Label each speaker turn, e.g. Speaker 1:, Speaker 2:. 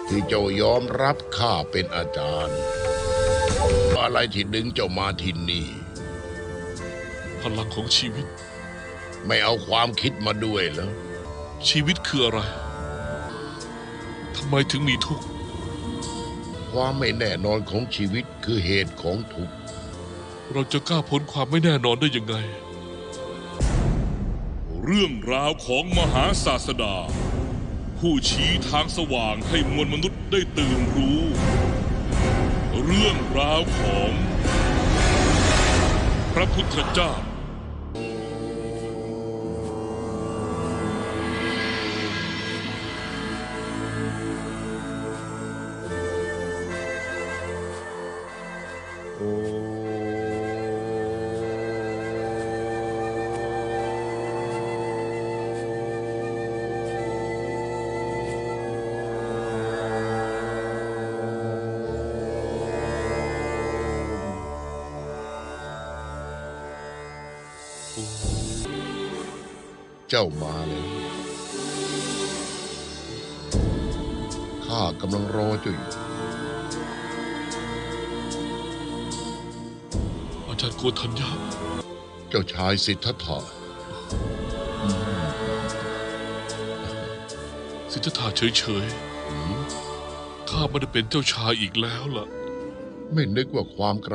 Speaker 1: ที่เจ้ายอมรับข้าเป็นอาจารย์อะไรที่ดึงเจ้ามาที่นี่
Speaker 2: พลังของชีวิต
Speaker 1: ไม่เอาความคิดมาด้วยเหรอ
Speaker 2: ชีวิตคืออะไรทำไมถึงมีทุกข์
Speaker 1: ความไม่แน่นอนของชีวิตคือเหตุของทุกข์
Speaker 2: เราจะก้าวพ้นความไม่แน่นอนได้ยังไง
Speaker 3: เรื่องราวของมหาศาสดา ผู้ชี้ทางสว่างให้มวลมนุษย์ได้ตื่นรู้ เรื่องราวของพระพุทธเจ้า
Speaker 1: เจ้ามาเลยข้ากำลังรอเจ้าอยู่
Speaker 2: อาจารย์โกธัญญา
Speaker 1: เจ้าชายสิทธัตถะ
Speaker 2: สิทธัตถะเฉยๆข้าไม่ได้เป็นเจ้าชายอีกแล้วล่ะ
Speaker 1: ไม่นึกว่าความกระ